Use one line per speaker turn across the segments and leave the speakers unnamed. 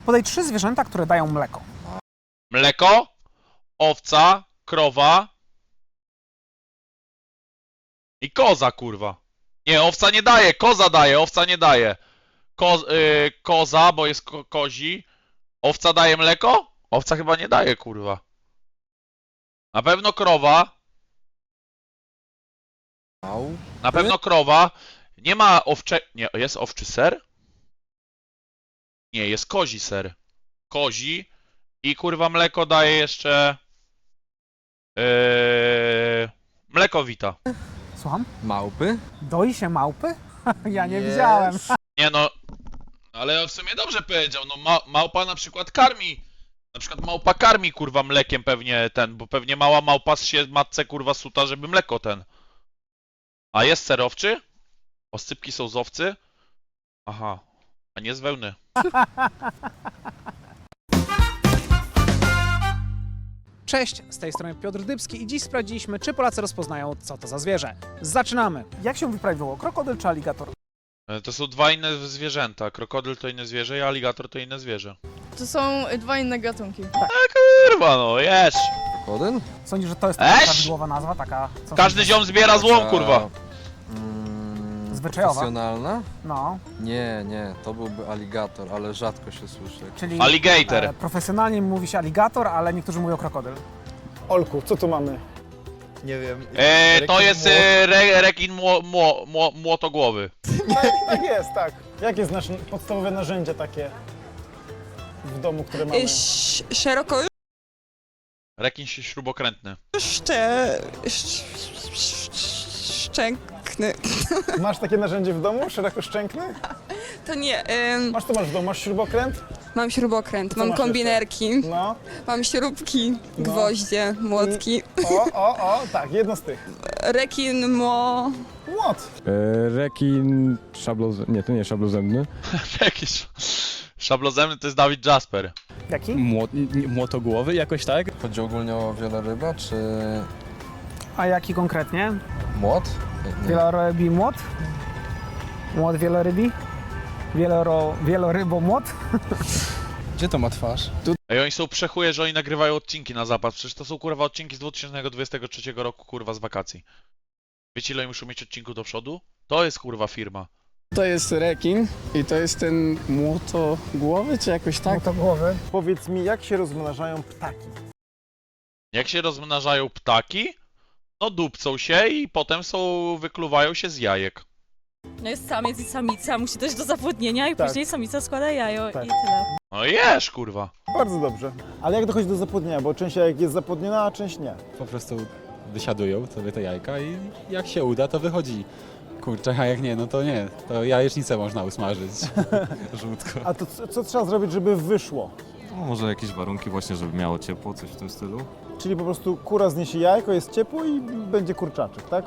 Podaj 3 zwierzęta, które dają mleko.
Mleko, owca, krowa i koza, kurwa. Nie, owca nie daje, koza daje, owca nie daje. Koza, bo jest kozi. Owca daje mleko? Owca chyba nie daje, kurwa. Na pewno krowa. Na pewno krowa. Nie ma Nie, jest owczy ser? Nie, jest kozi ser. Kozi. I kurwa mleko daje jeszcze... Mleko Vita.
Słucham?
Małpy?
Doi się małpy? Ja nie widziałem.
Nie no, ale w sumie dobrze powiedział, no małpa na przykład karmi. Na przykład małpa karmi kurwa mlekiem pewnie bo pewnie mała małpa się matce kurwa suta, żeby mleko A jest ser owczy? Oscypki są z owcy? Aha, a nie z wełny.
Cześć, z tej strony Piotr Dybski i dziś sprawdziliśmy, czy Polacy rozpoznają, co to za zwierzę. Zaczynamy! Jak się wyprawiło, krokodyl czy aligator?
To są dwa inne zwierzęta. Krokodyl to inne zwierzę, a aligator to inne zwierzę.
To są dwa inne gatunki.
Kurwa no, jest!
Krokodyl?
Sądzisz, że to jest taka
Eś!
prawidłowa nazwa, taka... Co
Każdy ziom zbiera złom, kurwa.
Zwyczajowa?
Profesjonalna?
No,
Nie, to byłby aligator, ale rzadko się słyszy.
czyli
Alligator.
profesjonalnie mówi się aligator, ale niektórzy mówią krokodyl.
Olku, co tu mamy?
Nie wiem.
To jest rekin młotogłowy.
Tak jest, tak. Jakie jest nasze podstawowe narzędzie takie w domu, które mamy?
Szeroko
Rekin śrubokrętny.
szczękny.
Masz takie narzędzie w domu? Szerokoszczękny?
To nie.
Masz to masz w domu? Masz śrubokręt?
Mam śrubokręt,
Co
mam
masz
kombinerki,
No.
mam śrubki,
No.
gwoździe, młotki.
Tak, jedno z tych.
Rekin
Młot.
Rekin szablozębny. Nie, to nie szablozębny.
Jakiś szablozemny to jest Dawid Jasper.
Jaki?
Młotogłowy jakoś tak?
Chodzi ogólnie o wieloryba, czy
A jaki konkretnie?
młot? Nie.
Wielorybi młot? Młot wielorybi? Wielorybomłot?
Gdzie to ma twarz?
Ej, oni są przechuje, że oni nagrywają odcinki na zapas. Przecież to są kurwa odcinki z 2023 roku, kurwa, z wakacji. Wiecie, ile oni muszą mieć odcinków do przodu? To jest kurwa firma.
To jest rekin i to jest ten młotogłowy, czy jakoś tak?
To głowy.
Powiedz mi, jak się rozmnażają ptaki?
Jak się rozmnażają ptaki? No dupcą się i potem wykluwają się z jajek.
No jest samiec i samica, musi dojść do zapłodnienia i
Tak.
później samica składa jajo
Tak.
i tyle.
No jesz, kurwa.
Bardzo dobrze. Ale jak dochodzi do zapłodnienia? Bo część jajek jest zapłodniona, a część nie.
Po prostu wysiadują sobie te jajka i jak się uda, to wychodzi kurczak, a jak nie, no to nie. To jajecznicę można usmażyć. Żółtko.
A to co trzeba zrobić, żeby wyszło?
No, może jakieś warunki właśnie, żeby miało ciepło, coś w tym stylu.
Czyli po prostu kura zniesie jajko, jest ciepło i będzie kurczaczek, tak?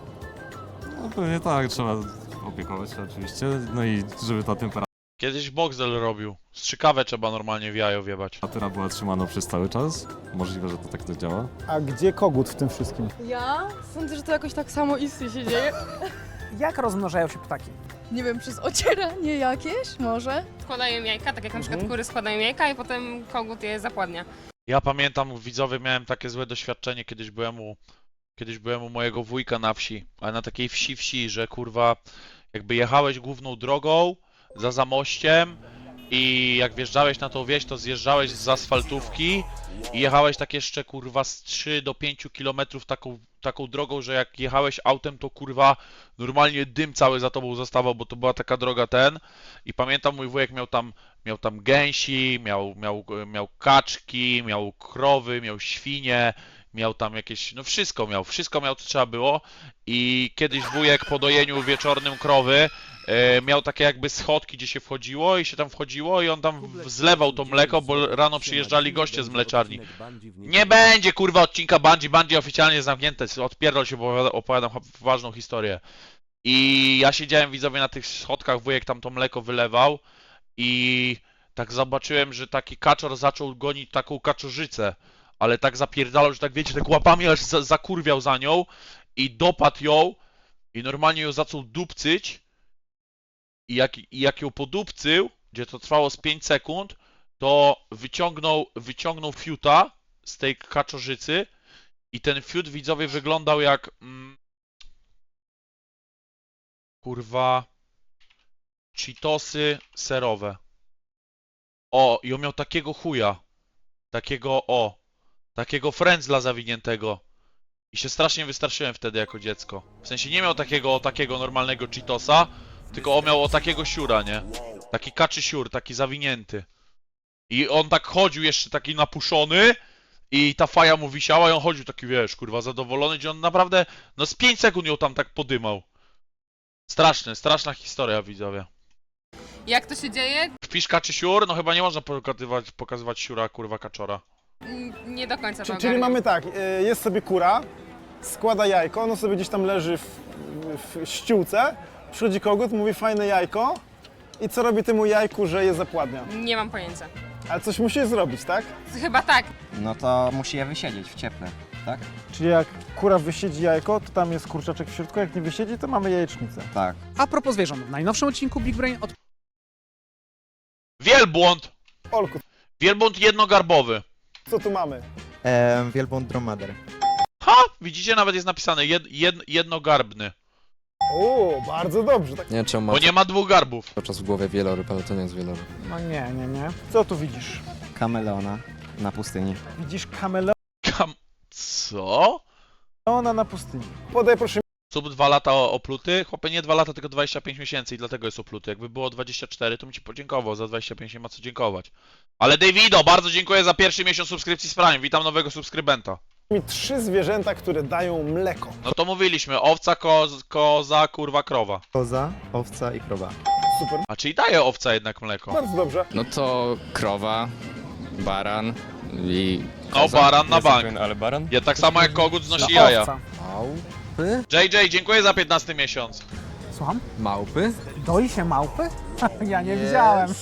No pewnie tak, trzeba opiekować się oczywiście, no i żeby ta
Kiedyś Boxdel robił. Strzykawę trzeba normalnie w jajo wjebać.
temperatura była trzymana przez cały czas. Możliwe, że to tak to działa.
A gdzie kogut w tym wszystkim?
Ja sądzę, że to jakoś tak samo istnie się dzieje.
Jak rozmnażają się ptaki?
Nie wiem, przez ocieranie jakieś może?
Składają jajka, tak jak na przykład kury składają jajka i potem kogut je zapładnia.
Ja pamiętam, widzowie, miałem takie złe doświadczenie, kiedyś byłem u mojego wujka na wsi, ale na takiej wsi, że kurwa, jakby jechałeś główną drogą za Zamościem i jak wjeżdżałeś na tą wieś, to zjeżdżałeś z asfaltówki i jechałeś tak jeszcze kurwa z 3 do 5 kilometrów taką drogą, że jak jechałeś autem, to kurwa normalnie dym cały za tobą zostawał, bo to była taka droga i pamiętam, mój wujek miał tam gęsi, miał kaczki, miał krowy, miał świnie, miał tam jakieś, no wszystko miał co trzeba było i kiedyś wujek po dojeniu wieczornym krowy miał takie jakby schodki, gdzie się wchodziło i się tam wchodziło i on tam zlewał to mleko, bo rano przyjeżdżali goście z mleczarni. Nie będzie kurwa odcinka Bungie oficjalnie jest zamknięte, odpierdol się, bo opowiadam ważną historię. I ja siedziałem, widzowie, na tych schodkach, wujek tam to mleko wylewał i tak zobaczyłem, że taki kaczor zaczął gonić taką kaczorzycę, ale tak zapierdalał, że tak wiecie, tak łapami aż zakurwiał za nią i dopadł ją i normalnie ją zaczął dupcyć i jak ją podupcył, gdzie to trwało z 5 sekund, to wyciągnął fiuta z tej kaczorzycy i ten fiut, widzowie, wyglądał jak kurwa Cheetosy serowe. O, i on miał takiego chuja. Takiego frędzla zawiniętego. I się strasznie wystraszyłem wtedy jako dziecko. W sensie nie miał takiego normalnego Cheetosa, tylko on miał takiego siura, nie? Taki kaczy siur, taki zawinięty. I on tak chodził jeszcze taki napuszony i ta faja mu wisiała i on chodził taki, wiesz, kurwa, zadowolony, gdzie on naprawdę, no z 5 sekund ją tam tak podymał. Straszna historia, widzowie.
Jak to się dzieje?
Wpisz kaczy siur, no chyba nie można pokazywać siura, kurwa, kaczora.
Nie do końca to
Czyli
ogarniam.
mamy tak, jest sobie kura, składa jajko, ono sobie gdzieś tam leży w ściółce, przychodzi kogut, mówi fajne jajko i co robi temu jajku, że je zapładnia?
Nie mam pojęcia.
Ale coś musi zrobić, tak?
Chyba tak.
No to musi je wysiedzieć w cieple, tak?
Czyli jak kura wysiedzi jajko, to tam jest kurczaczek w środku, jak nie wysiedzi, to mamy jajecznicę.
Tak.
A propos zwierząt, w najnowszym odcinku Big Brain
Wielbłąd!
Olku,
Wielbłąd jednogarbowy.
co tu mamy?
Wielbłąd dromader.
Ha! Widzicie, nawet jest napisane jednogarbny.
O, bardzo dobrze. Tak.
Nie wiem, czemu
Bo
mam
nie ma dwóch garbów.
cały czas w głowie wieloryb, ale to nie jest wieloryb.
No nie. Co tu widzisz?
Kameleona na pustyni.
Widzisz
Co?
kameleona na pustyni. Podaj proszę
Sub 2 lata opluty? Chłopie, nie 2 lata, tylko 25 miesięcy i dlatego jest opluty. Jakby było 24, to bym ci podziękował. Za 25 nie ma co dziękować. Ale Davido, bardzo dziękuję za pierwszy miesiąc subskrypcji z Prime. Witam nowego subskrybenta.
mi 3 zwierzęta, które dają mleko.
No to mówiliśmy, owca, koza, kurwa, krowa.
Koza, owca i krowa.
Super,
A czyli daje owca jednak mleko?
bardzo dobrze.
No to krowa, baran i
No, baran na bank.
Ale baran?
Ja tak samo jak kogut znosi jaja.
owca.
Małpy?
JJ, dziękuję za 15 miesiąc.
Słucham?
Małpy?
Doi się małpy? Ja nie widziałem.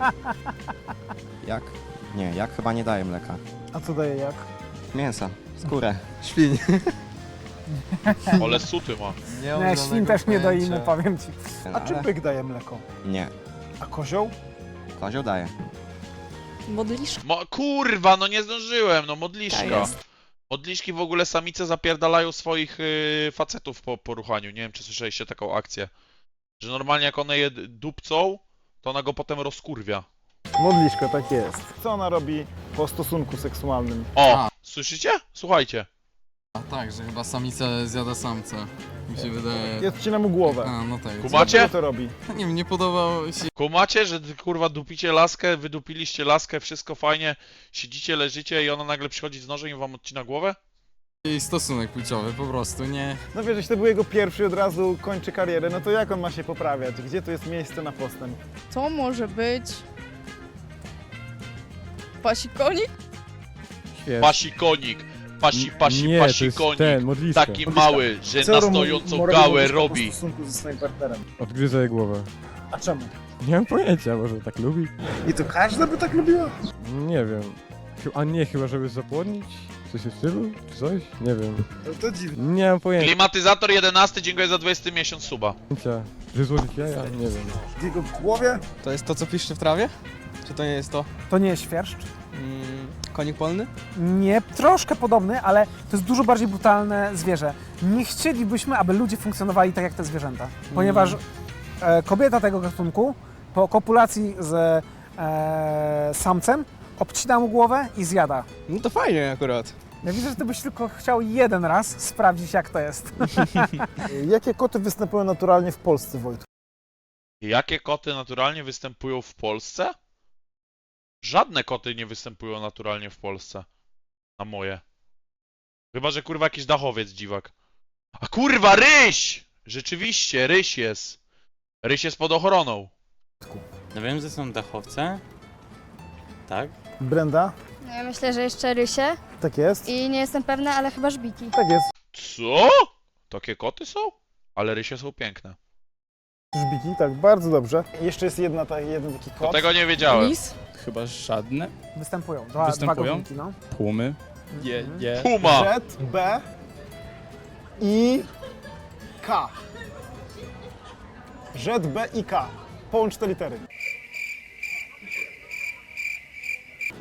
Jak? Nie, jak chyba nie daje mleka.
A co daje jak?
Mięsa, skórę.
Świń.
Ale suty ma.
Nie, świn też nie doimy, powiem ci.
A czy byk daje mleko?
Nie.
A kozioł?
Kozioł daje.
Modliszka
Kurwa, no nie zdążyłem, no modliszka.
jest.
Modliszki w ogóle samice zapierdalają swoich facetów po ruchaniu. Nie wiem, czy słyszeliście taką akcję. Że normalnie jak one je dupcą, to ona go potem rozkurwia.
Modliszko, tak jest. Co ona robi po stosunku seksualnym?
O, słyszycie? Słuchajcie.
A tak, że chyba samica zjada samca. Mi się wydaje...
Ja odcinam mu głowę.
A, no tak.
Kumacie?
Dlaczego to robi?
Nie wiem, nie podobało się
Kumacie, że kurwa dupicie laskę, wydupiliście laskę, wszystko fajnie, siedzicie, leżycie i ona nagle przychodzi z nożem i wam odcina głowę?
jej stosunek płciowy, po prostu, nie...
No wiesz, jeśli to był jego pierwszy i od razu kończy karierę, no to jak on ma się poprawiać? Gdzie tu jest miejsce na postęp?
To może być... Pasikonik?
Pasikonik. Pasikonik. Taki mały, że
Co
na
robi
stojącą
modliszka
gałę
po
robi.
stosunku ze swoim partnerem?
Odgryza jej głowę.
A czemu?
Nie mam pojęcia, może tak lubi?
I to każda by tak lubiła?
Nie wiem. A nie, chyba żeby zapłodnić? Coś w stylu? Czy coś? Nie wiem.
To dziwne.
Nie mam pojęcia.
Klimatyzator 11, dziękuję za 20 miesiąc suba.
Że złożyć jaja? Nie wiem.
W jego głowie?
To jest to, co piszczy w trawie? Czy to nie jest to?
To nie jest świerszcz?
Konik polny?
Nie, troszkę podobny, ale to jest dużo bardziej brutalne zwierzę. Nie chcielibyśmy, aby ludzie funkcjonowali tak jak te zwierzęta, ponieważ kobieta tego gatunku po kopulacji z samcem obcina mu głowę i zjada.
No to fajnie akurat.
Ja widzę, że ty byś tylko chciał jeden raz sprawdzić, jak to jest.
Jakie koty występują naturalnie w Polsce, Wojtku?
Jakie koty naturalnie występują w Polsce? Żadne koty nie występują naturalnie w Polsce. Na moje. Chyba, że kurwa jakiś dachowiec dziwak. A kurwa, ryś! Rzeczywiście, ryś jest. Ryś jest pod ochroną.
No wiem, że są dachowce. Tak?
Brenda?
Ja myślę, że jeszcze rysie
Tak jest?
i nie jestem pewna, ale chyba żbiki.
Tak jest.
Co? Takie koty są? Ale rysie są piękne.
Żbiki, tak, bardzo dobrze. Jeszcze jest jeden taki
To
kot.
tego nie wiedziałem.
Lis?
Chyba żadne.
Występują. Dwa
Występują?
gatunki, no.
Pumy. Je.
Puma!
Z, B i K. Z, B i K. Połącz te litery.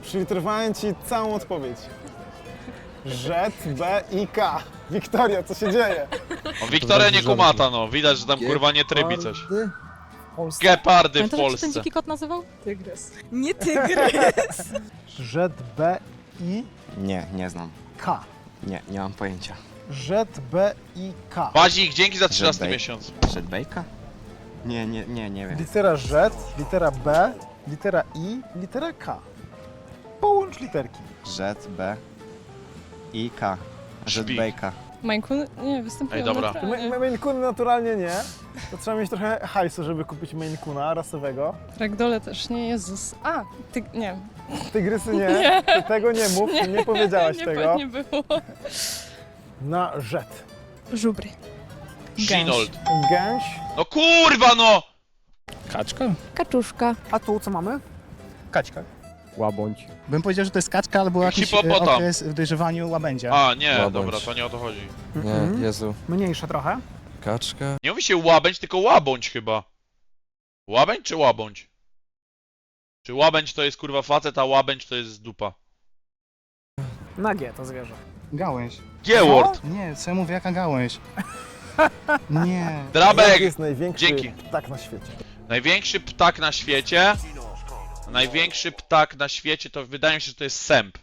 Przyliterowałem ci całą odpowiedź. Z, B i K. Wiktoria, co się dzieje?
O, Wiktoria nie kumata, no. Widać, że tam kurwa nie trybi coś. Gepardy w
Pamiętasz, jak się ten
Polsce.
dziki kot nazywał? Tygrys. Nie tygrys!
Z, B i
Nie, nie znam.
K.
Nie mam pojęcia.
Z, B i K.
Bazik, dzięki za 13
Żebej.
miesiąc.
Żedbejka? Nie wiem.
Litera Z, litera B, litera I, litera K. Połącz literki.
Z, B i K.
Szpik.
Żedbejka.
Mańkun? Nie, występują
Ej, dobra.
naturalnie.
Maine Coon naturalnie nie. To trzeba mieć trochę hajsu, żeby kupić Maine Coona rasowego.
Ragdolle też nie, Jezus. A, nie.
Tygrysy nie.
Nie.
Ty tego nie mów, nie powiedziałaś tego.
Nie było.
Na Z.
Żubry.
Shinold.
Gęś.
No kurwa, no!
Kaczka?
Kaczuszka.
A tu co mamy?
Kaćka.
Łabądź. Bym powiedział, że to jest kaczka albo jakiś
Hipopotam.
okres w dojrzewaniu łabędzia.
A, nie,
Łabędź.
dobra, to nie o to chodzi.
Mhm.
Jezu.
Mniejsze trochę.
Kaczka.
Nie mówi się łabędź, tylko łabądź chyba. Łabędź czy łabądź? Czy łabędź to jest kurwa facet, a łabędź to jest dupa?
Na G to zwierzę.
Gałęź.
G-word.
Nie, co ja mówię, jaka gałęź? Nie.
Drabek!
Jaki jest największy
Dzięki.
ptak na świecie?
Największy ptak na świecie. Największy ptak na świecie to wydaje mi się, że to jest sęp.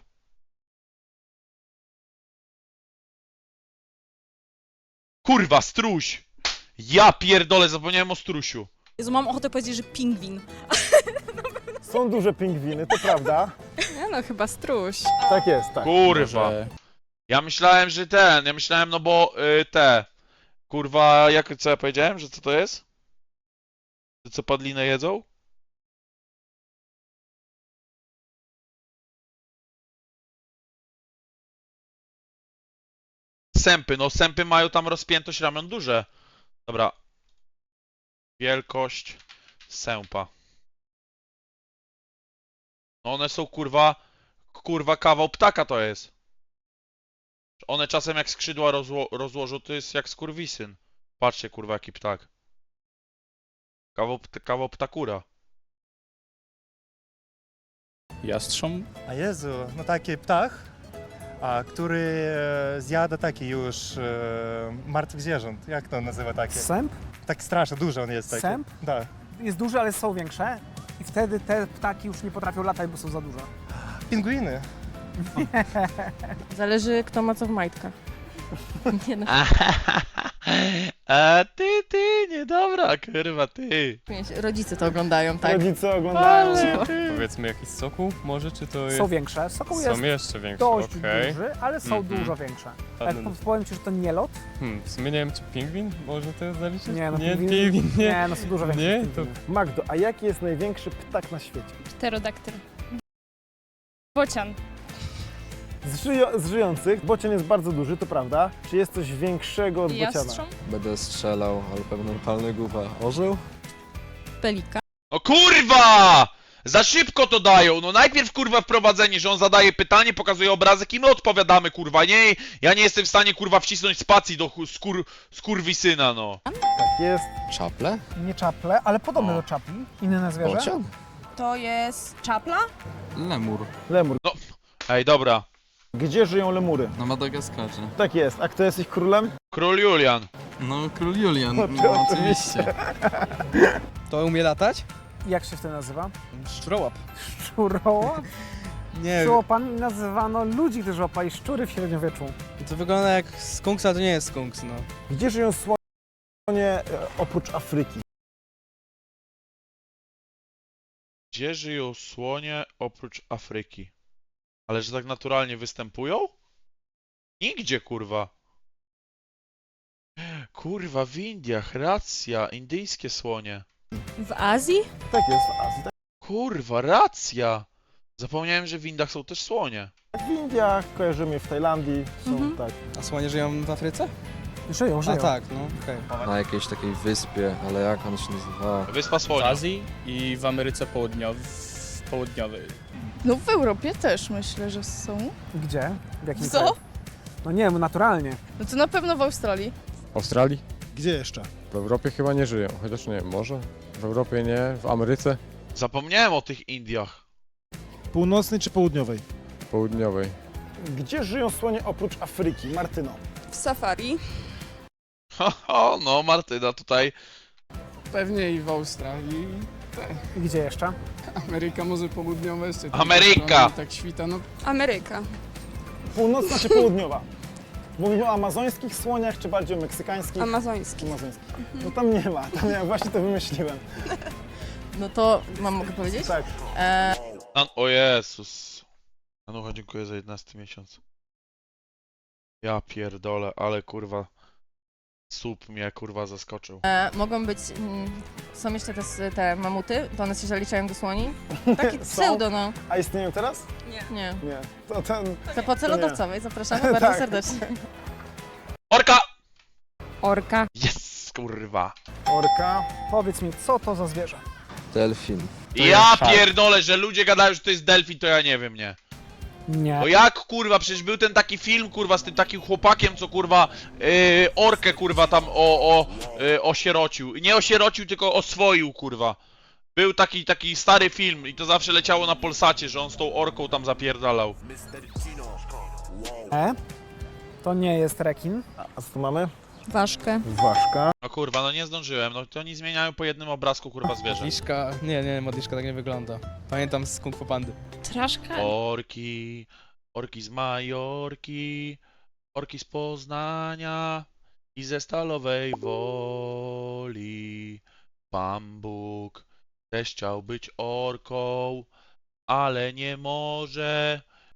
Kurwa, struś! Ja pierdolę, zapomniałem o strusiu.
Jezu, mam ochotę powiedzieć, że pingwin.
Są duże pingwiny, to prawda.
Nie no, chyba struś.
Tak jest, tak.
Kurwa. Ja myślałem, że ja myślałem, no bo kurwa, co ja powiedziałem, że co to jest? Że co padlinę jedzą? Sępy, no sępy mają tam rozpiętość ramion duże. Dobra. Wielkość sępa. No one są kurwa kawał ptaka to jest. One czasem jak skrzydła rozłożą, to jest jak skurwisyn. Patrzcie kurwa jaki ptak. Kawał ptakura.
Jastrząb?
A Jezu, no taki ptak, który zjada taki już martwych zwierząt. Jak to nazywa takie?
Sęp
Tak strasznie duży on jest taki.
Sęp?
Tak.
jest duży, ale są większe. I wtedy te ptaki już nie potrafią latać, bo są za duże.
Pingwiny.
Zależy, kto ma co w majtkach. Nie no.
A ty, niedobra, kurwa, ty.
Rodzice to oglądają, tak?
Rodzice oglądają.
Powiedzmy jakiś sokół może, czy to jest...
Są większe. Sokół jest
jeszcze większe,
dość
okej.
duży, ale są
Mhm.
dużo większe.
Ładny.
Tak, powiem ci, że to nie lot.
W sumie nie wiem, czy pingwin może to zaliczyć?
Nie, no
nie,
pingwin,
nie.
nie, no są dużo większe.
Nie,
niż
to...
pingwiny.
Magdo, a jaki jest największy ptak na świecie?
Pterodaktyl. Bocian.
Z żyjących bocian jest bardzo duży, to prawda. Czy jest coś większego od bociana?
Jastrząb.
Będę strzelał, ale pewnie palny głupa. Orzeł?
Pelika.
No kurwa! Za szybko to dają, no najpierw kurwa wprowadzenie, że on zadaje pytanie, pokazuje obrazek i my odpowiadamy kurwa, nie? Ja nie jestem w stanie kurwa wcisnąć spacji do skurwisyna, no.
Tak jest.
Czaple?
Nie czaple, ale podobne
O.
do czapli. Inne zwierzę.
Bocian?
To jest czapla?
Lemur.
Lemur.
Ej, dobra.
Gdzie żyją lemury?
Na Madagaskarze.
Tak jest. A kto jest ich królem?
Król Julian.
No, król Julian.
No,
No, oczywiście.
To umie latać?
Jak się wtedy nazywa?
Szczurołap.
Szczurołap?
Nie,
Szczuropami nazywano ludzi, którzy łapali szczury w średniowieczu.
to wygląda jak skunks, ale to nie jest skunks, no.
Gdzie żyją słonie oprócz Afryki?
Gdzie żyją słonie oprócz Afryki? Ale że tak naturalnie występują? Nigdzie, kurwa. Kurwa, w Indiach, racja, indyjskie słonie.
W Azji?
Tak jest, w Azji.
Kurwa, racja. Zapomniałem, że w Indiach są też słonie.
Tak w Indiach, kojarzymy w Tajlandii, są
Mhm.
tak.
A słonie żyją w Afryce?
Żyją.
A tak, no okej.
Na jakiejś takiej wyspie, ale jak on się nazywa?
Wyspa
W
Słonia.
Azji i w Ameryce Południowej.
No w Europie też myślę, że są.
Gdzie? W jakim
Co?
kraju? No nie wiem, naturalnie.
No to na pewno w Australii.
W Australii?
Gdzie jeszcze?
W Europie chyba nie żyją, chociaż nie wiem, może? W Europie nie, w Ameryce?
Zapomniałem o tych Indiach.
Północnej czy południowej?
Południowej.
Gdzie żyją słonie oprócz Afryki? Martyno.
W safari.
Ho, no Martyna tutaj.
Pewnie i w Australii.
I gdzie jeszcze?
Ameryka może południowa jeszcze. tam
Ameryka!
strony Tak świta, no
Ameryka.
Północna czy południowa? Mówimy o amazońskich słoniach, czy bardziej o meksykańskich?
Amazoński.
Amazońskich. No tam nie ma, tam ja właśnie to wymyśliłem.
No to mogę powiedzieć?
Tak.
O Jezus. Anucha, dziękuję za 11 miesiąc. Ja pierdolę, ale kurwa. Słup mnie kurwa zaskoczył.
Mogą być, są jeszcze te mamuty, to one się zaliczają do słoni. Taki
Są?
pseudo, no.
A istnieją teraz?
Nie.
Nie. To ten...
To po
nie.
celodowcowej zapraszamy bardzo
Tak.
serdecznie.
Orka!
Orka.
Jest kurwa.
Orka.
Powiedz mi, co to za zwierzę?
Delfin.
Ja pierdolę, że ludzie gadają, że to jest delfin, to ja nie wiem, nie.
Nie.
No jak kurwa, przecież był ten taki film kurwa z tym takim chłopakiem, co kurwa orkę kurwa tam osierocił. Nie osierocił, tylko oswoił kurwa. Był taki stary film i to zawsze leciało na Polsacie, że on z tą orką tam zapierdalał.
To nie jest rekin.
A co tu mamy?
Ważkę.
Ważka.
No kurwa, no nie zdążyłem, no to oni zmieniają po jednym obrazku kurwa zwierzę.
Modliszka, nie, modliszka tak nie wygląda. Pamiętam z Kung Fu Pandy.
Traszka.
Orki, orki z Majorki, orki z Poznania i ze Stalowej Woli. Pan Bóg też chciał być orką, ale nie może,